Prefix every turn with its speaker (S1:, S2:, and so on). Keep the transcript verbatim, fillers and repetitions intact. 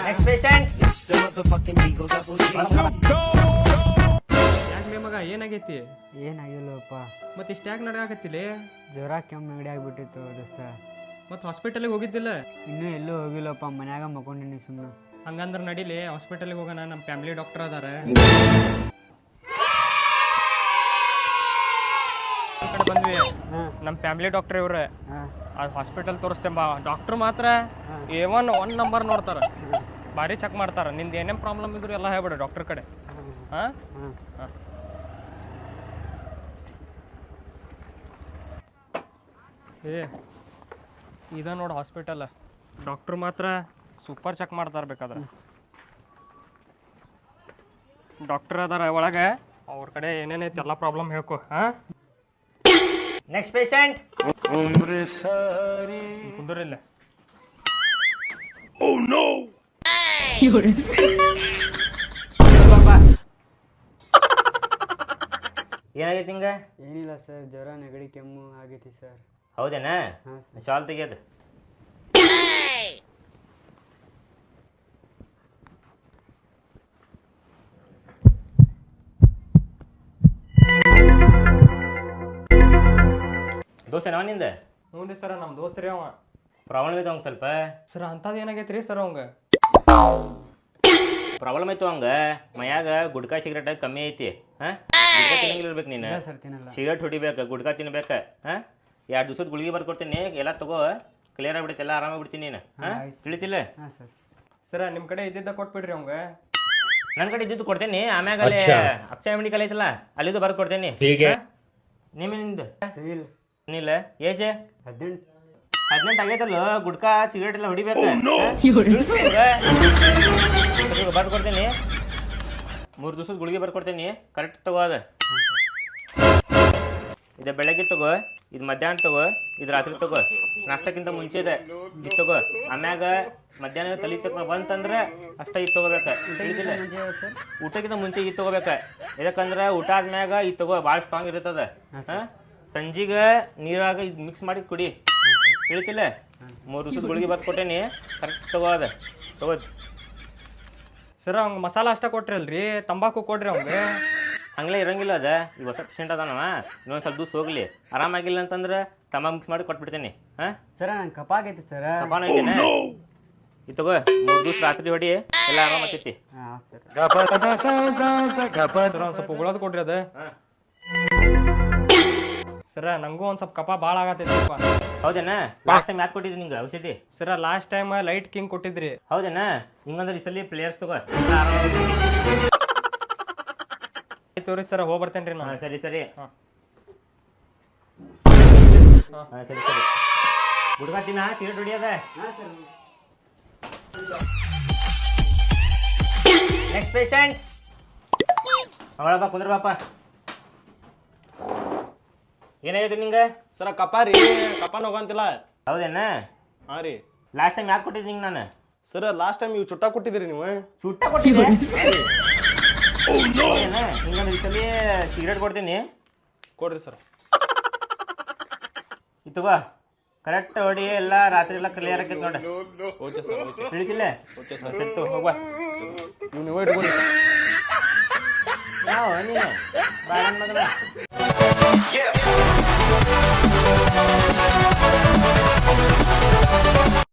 S1: Next patient.
S2: ಯಾಕೆ ಮಗ ಏನಾಗೈತಿ?
S3: ಏನಾಗಿಲ್ಲಪ್ಪ.
S2: ಮತ್ತೆ ಇಷ್ಟ ಯಾಕೆ ನಡಗಾಕತ್ತಿಲ್ಲ?
S3: ಜ್ವರ ಕೆಮ್ಮು ನೆಗಡಿ ಆಗ್ಬಿಟ್ಟಿತ್ತು ದೋಸ್ತ.
S2: ಮತ್ತೆ ಹಾಸ್ಪಿಟಲಿಗೆ ಹೋಗಿದ್ದಿಲ್ಲ?
S3: ಇನ್ನೂ ಎಲ್ಲೂ ಹೋಗಿಲ್ಲಪ್ಪ, ಮನ್ಯಾಗ ಮಕ್ಕೊಂಡಿನಿ ಸುಮ್ಮನೆ.
S2: ಹಂಗಂದ್ರೆ ನಡೀಲಿ ಹಾಸ್ಪಿಟಲ್ಗೆ ಹೋಗೋಣ, ನಮ್ಮ ಫ್ಯಾಮಿಲಿ ಡಾಕ್ಟರ್ ಅದಾರ. ಈ ಕಡೆ ಬಂದ್ವಿ, ನಮ್ಮ ಫ್ಯಾಮಿಲಿ ಡಾಕ್ಟರ್ ಇವ್ರೆ. ಅದು ಹಾಸ್ಪಿಟಲ್ ತೋರಿಸ್ತೇಂಬ. ಡಾಕ್ಟರ್ ಮಾತ್ರ ಎ ಒನ್ ಒನ್ ನಂಬರ್ ನೋಡ್ತಾರ, ಭಾರಿ ಚೆಕ್ ಮಾಡ್ತಾರ. ನಿಂದು ಏನೇನು ಪ್ರಾಬ್ಲಮ್ ಇದ್ರು ಎಲ್ಲ ಹೇಳ್ಬಿಡು ಡಾಕ್ಟರ್ ಕಡೆ. ಹಾಂ ಹಾಂ ಏ ಇದ ನೋಡು ಹಾಸ್ಪಿಟಲ್. ಡಾಕ್ಟ್ರು ಮಾತ್ರ ಸೂಪರ್ ಚೆಕ್ ಮಾಡ್ತಾರೆ. ಬೇಕಾದ್ರೆ ಡಾಕ್ಟರ್ ಅದಾರ ಒಳಗೆ, ಅವ್ರ ಕಡೆ ಏನೇನೈತಿ ಎಲ್ಲ ಪ್ರಾಬ್ಲಮ್ ಹೇಳ್ಕೊ. ಹಾಂ
S1: ನೆಕ್ಸ್ಟ್ ಪೇಷಂಟ್.
S2: ಕುಂದ್ರಿಲ್ಲ.
S1: ಏನಾಗೈತಿ ಹಿಂಗ?
S3: ಏನಿಲ್ಲ ಸರ್, ಜ್ವರ ನೆಗಡಿ ಕೆಮ್ಮು ಆಗೈತಿ ಸರ್.
S1: ಹೌದೇನಾ?
S3: ಹಾಂ ಸರ್.
S1: ಶಾಲ್ ತೆಗಿಯೋದು. ದೋಸ್ತ ನಾವ್ ನಿಂದ
S2: ಹ್ಞೂ ರೀ ಸರ, ನಮ್ಮ ದೋಸ್ತ್ರಿ ಅವ.
S1: ಪ್ರಾಬ್ಲಮ್ ಐತೆ ಅವಂಗ ಸ್ವಲ್ಪ.
S2: ಸರ್ ಅಂಥದ್ದು ಏನಾಗೈತಿ ರೀ ಸರ್ ಅವಂಗ?
S1: ಪ್ರಾಬ್ಲಮ್ ಐತು ಅವಂಗ ಮನ್ಯಾಗ ಗುಡ್ಕಾ ಸಿಗರೇಟ್ ಕಮ್ಮಿ ಐತಿ. ಹಾಂ ಗುಡ್ಕಾ ತಿನ್ನಂಗಿಲ್ಲ ಇರ್ಬೇಕು ನೀನು.
S3: ಸರ್ ತಿನ್ನಲ್ಲ.
S1: ಸಿಗರೇಟ್ ಹೊಡಿಬೇಕು, ಗುಡ್ಕಾ ತಿನ್ಬೇಕು. ಹಾಂ ಎರಡು ದಿವಸದ ಗುಳಿಗೆ ಬರ್ದು ಕೊಡ್ತೀನಿ, ಎಲ್ಲ ತಗೋ, ಕ್ಲಿಯರ್ ಆಗ್ಬಿಡುತ್ತೆ, ಎಲ್ಲ ಆರಾಮಾಗ್ಬಿಡ್ತೀನಿ ನೀನು. ಹಾಂ ತಿಳಿತಿಲ್ಲ?
S3: ಹಾಂ ಸರ್.
S2: ಸರ ನಿಮ್ಮ ಕಡೆ ಇದ್ದಿದ್ದ ಕೊಟ್ಬಿಡ್ರಿ ಅವಂಗ.
S1: ನನ್ನ ಕಡೆ ಇದ್ದಿದ್ದು ಕೊಡ್ತೇನೆ, ಆಮ್ಯಾಗ ಅಲ್ಲಿ ಅಕ್ಷಯ ಮೆಡಿಕಲ್ ಐತಲ್ಲ ಅಲ್ಲಿದ್ದು ಬರ್ದು ಕೊಡ್ತೇನೆ. ನಿಮ್ಮಿಂದ
S3: ಸಿವಿಲ್
S1: ಏನಿಲ್ಲ ಏಜ್
S3: ಹದಿನೆಂಟು
S1: ಹದಿನೆಂಟು ಆಗೈತಲ್ಲ, ಗುಡ್ಕಾ ಸಿಗರೇಟ್ ಎಲ್ಲ ಹೊಡಿಬೇಕು. ಬರ್ದು ಕೊಡ್ತೇನೆ, ಮೂರು ದಿವಸದ ಗುಳಿಗೆ ಬರ್ಕೊಡ್ತೇನೆ, ಕರೆಕ್ಟ್ ತಗೋ. ಅದ ಇದು ಬೆಳಗ್ಗೆ ತಗೋ, ಇದು ಮಧ್ಯಾಹ್ನ ತಗೋ, ಇದು ರಾತ್ರಿ ತಗೋ. ನಾಷ್ಟಕ್ಕಿಂತ ಮುಂಚೆ ಇದೆ ಇದು ತಗೋ. ಆಮ್ಯಾಗ ಮಧ್ಯಾಹ್ನ ತಲೆ ಚಕ್ರ ಬಂತಂದ್ರೆ ಅಷ್ಟ ಇದು ತಗೋಬೇಕು. ತಿಳಿದಿಲ್ಲ? ಊಟಕ್ಕಿಂತ ಮುಂಚೆ ಇದು ತಗೋಬೇಕು. ಯಾಕಂದ್ರೆ ಊಟ ಆದ್ಮ್ಯಾಗ ಇದು ತಗೋ, ಭಾಳ ಸ್ಟ್ರಾಂಗ್ ಇರ್ತದ. ಹಾಂ ಸಂಜಿಗೆ ನೀರಾಗ ಇದು ಮಿಕ್ಸ್ ಮಾಡಿ ಕುಡಿ. ತಿಳಿತಿಲ್ಲ? ಮೂರು ದಿವಸದ ಗುಳಿಗೆ ಬರ್ದು ಕೊಟ್ಟೇನಿ, ಕರೆಕ್ಟ್ ತಗೋ. ಅದ ತಗೋದು.
S2: ಸರ್ ಅವ್ಗೆ ಮಸಾಲ ಅಷ್ಟ ಕೊಟ್ರಿ ಅಲ್ರಿ, ತಂಬಾಕು ಕೊಡ್ರಿ ಅವಂಗೆ.
S1: ಹಂಗಲೇ ಇರಂಗಿಲ್ಲ. ಅದ ಈಗ ಹೊಸ ಪೇಷಂಟ್ ಅದಾನವ, ಇನ್ನೊಂದು ಸ್ವಲ್ಪ ದಿವಸ ಹೋಗ್ಲಿ. ಆರಾಮಾಗಿಲ್ಲ ಅಂತಂದ್ರೆ ತಂಬಾಕು ಮಿಕ್ಸ್ ಮಾಡಿ ಕೊಟ್ಬಿಡ್ತೇನೆ. ಹಾಂ
S3: ಸರ ನಂಗೆ ಕಪ ಆಗೈತಿ ಸರ್.
S1: ಕಪಾನ ಐತೇನೆ, ಇದು ತಗೋ. ಮೂರು ದಿವಸ ರಾತ್ರಿ ಹೊಡಿ, ಎಲ್ಲ ಆರಾಮಾಗ್ತೈತಿ.
S3: ಹಾಂ ಸರ್.
S2: ಸರ್ ಒಂದು ಸ್ವಲ್ಪ ಉಗುಳೋದು ಕೊಡ್ರಿ ಅದ.
S1: ಹಾಂ
S2: ಸರ ನಂಗೂ ಒಂದು ಸ್ವಲ್ಪ ಕಪ ಭಾಳ ಆಗತ್ತೈತಿಪ್ಪ.
S1: ಹೌದೇನಾ? ಲಾಸ್ಟ್ ಟೈಮ್ ಯಾಕೆ ಕೊಟ್ಟಿದ್ದೆ ನಿಂಗೆ ಔಷಧಿ?
S2: ಸರ ಲಾಸ್ಟ್ ಟೈಮ್ ಲೈಟ್ ಕಿಂಗ್ ಕೊಟ್ಟಿದ್ರಿ.
S1: ಹೌದೇನಾ? ಹಿಂಗಂದ್ರೆ ಈ ಸಲ ಪ್ಲೇಯರ್ಸ್ ತಗೋ.
S2: ತೋರಿ ಸರ, ಹೋಗಿ ಬರ್ತೇನೆ ರೀ
S1: ಹಾಂ
S2: ನಾನು.
S1: ಸರಿ ಸರಿ.
S2: ಹಾಂ
S1: ಹಾಂ ಸರಿ ಸರಿ. ಗುಡ್ಕಾ ತಿನ್ನ, ಸಿಗರೇಟ್ ಹೊಡಿಯೋದ.
S3: ಹಾಂ ಸರ್.
S1: Next patient. ಅವಳಪ್ಪ ಕುಂದ್ರ ಬಾಪ. ಏನಾಗೈತೆ ನಿಂಗೆ?
S4: ಸರ ಕಪ ರೀ, ಕಪಾನ ಹೋಗಂತಿಲ್ಲ.
S1: ಹೌದೇನಾ?
S4: ಹಾಂ ರೀ.
S1: ಲಾಸ್ಟ್ ಟೈಮ್ ಯಾಕೆ ಕೊಟ್ಟಿದ್ದೆ ನಿಂಗೆ ನಾನು?
S4: ಸರ ಲಾಸ್ಟ್ ಟೈಮ್ ಇವು ಚುಟ್ಟ ಕೊಟ್ಟಿದ್ರಿ ನೀವು.
S1: ಸುಟ್ಟ ಕೊಟ್ಟಿದ್ದೆ. ಹಿಂಗಂದ್ರೆ ಈ ಸಲ ಸಿಗರೇಟ್ ಕೊಡ್ತೀನಿ,
S4: ಕೊಡ್ರಿ ಸರ್.
S1: ಇದು ತಗೋ, ಕರೆಕ್ಟ್ ಹೊಡಿ, ಎಲ್ಲ ರಾತ್ರಿ ಎಲ್ಲ ಕ್ಲಿಯರ್ ಆಕೈತೆ ನೋಡಿ.
S4: Okay sir, okay.
S1: ತಿಳಿತಿಲ್ಲ?
S4: Okay sir.
S1: ಸರಿ ತಗೋ, ಹೋಗುವ.
S4: ನೀವು ನೀವೇ ಇಟ್ಕೊಳ್ಳಿ.
S1: ಯಾವ ನೀನು ಬಾಳ ಮಗನ.